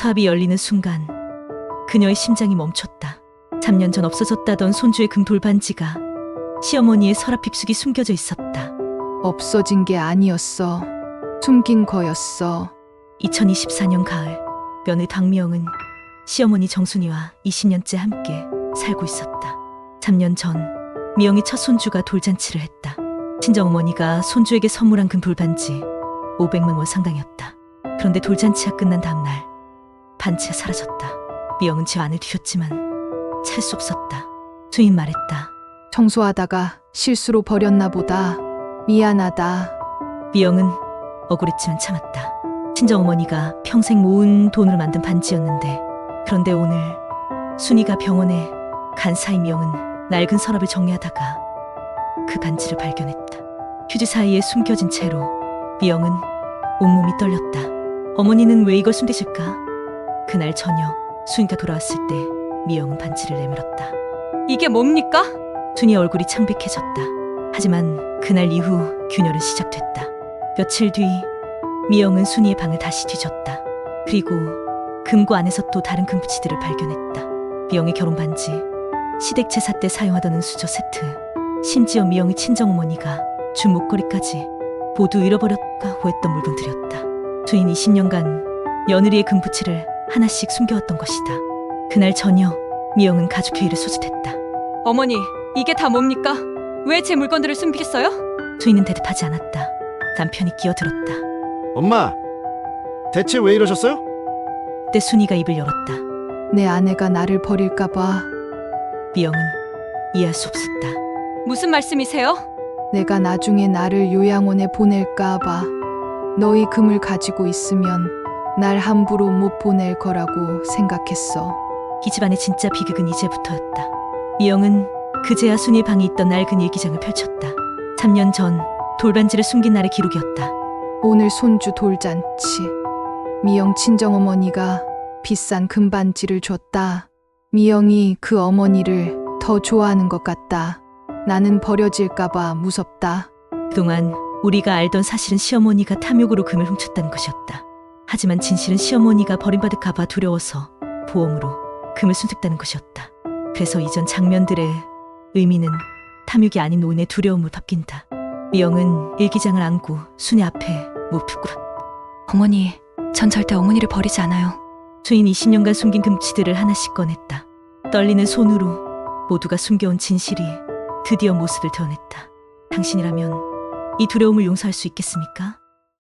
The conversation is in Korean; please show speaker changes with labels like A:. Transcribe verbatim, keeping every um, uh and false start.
A: 모터합이 열리는 순간 그녀의 심장이 멈췄다. 삼 년 전 없어졌다던 손주의 금 돌반지가 시어머니의 서랍 힙속에 숨겨져 있었다.
B: 없어진 게 아니었어. 숨긴 거였어.
A: 이천이십사 년 가을, 며느리 박미영은 시어머니 정순이와 이십 년째 함께 살고 있었다. 삼 년 전 미영이 첫 손주가 돌잔치를 했다. 친정어머니가 손주에게 선물한 금 돌반지 오백만 원 상당이었다. 그런데 돌잔치가 끝난 다음날 반지가 사라졌다. 미영은 집 안을 뒤졌지만 찾을 수 없었다. 주인 말했다.
B: 청소하다가 실수로 버렸나 보다. 미안하다.
A: 미영은 억울했지만 참았다. 친정어머니가 평생 모은 돈으로 만든 반지였는데, 그런데 오늘 순이가 병원에 간 사이 미영은 낡은 서랍을 정리하다가 그 반지를 발견했다. 휴지 사이에 숨겨진 채로 미영은 온몸이 떨렸다. 어머니는 왜 이걸 숨기실까? 그날 저녁 순이가 돌아왔을 때 미영은 반지를 내밀었다.
C: 이게 뭡니까?
A: 순이 얼굴이 창백해졌다. 하지만 그날 이후 균열은 시작됐다. 며칠 뒤 미영은 순이의 방을 다시 뒤졌다. 그리고 금고 안에서 또 다른 금붙이들을 발견했다. 미영의 결혼 반지, 시댁 제사 때 사용하던 은수저 세트, 심지어 미영의 친정어머니가 준 목걸이까지 모두 잃어버렸다고 했던 물건들이었다. 순이는 이십 년간 며느리의 금붙이를 하나씩 숨겨왔던 것이다. 그날 저녁 미영은 가족회의를 소집했다.
C: 어머니, 이게 다 뭡니까? 왜 제 물건들을 숨기겠어요?
A: 순이는 대답하지 않았다. 남편이 끼어들었다.
D: 엄마, 대체 왜 이러셨어요?
A: 그때 순이가 입을 열었다.
B: 내 아내가 나를 버릴까 봐.
A: 미영은 이해할 수 없었다.
C: 무슨 말씀이세요?
B: 내가 나중에 나를 요양원에 보낼까 봐. 너희 금을 가지고 있으면 날 함부로 못 보낼 거라고 생각했어.
A: 이 집안의 진짜 비극은 이제부터였다. 미영은 그제야 순이의 방에 있던 낡은 일기장을 펼쳤다. 삼 년 전 돌반지를 숨긴 날의 기록이었다.
B: 오늘 손주 돌잔치. 미영 친정어머니가 비싼 금반지를 줬다. 미영이 그 어머니를 더 좋아하는 것 같다. 나는 버려질까 봐 무섭다.
A: 그동안 우리가 알던 사실은 시어머니가 탐욕으로 금을 훔쳤다는 것이었다. 하지만 진실은 시어머니가 버림받을까 봐 두려워서 보험으로 금을 순색다는 것이었다. 그래서 이전 장면들의 의미는 탐욕이 아닌 노인의 두려움을 바뀐다. 미영은 일기장을 안고 순이 앞에 무릎을 꿇었다.
C: 어머니, 전 절대 어머니를 버리지 않아요.
A: 주인 이십 년간 숨긴 금치들을 하나씩 꺼냈다. 떨리는 손으로 모두가 숨겨온 진실이 드디어 모습을 드러냈다. 당신이라면 이 두려움을 용서할 수 있겠습니까?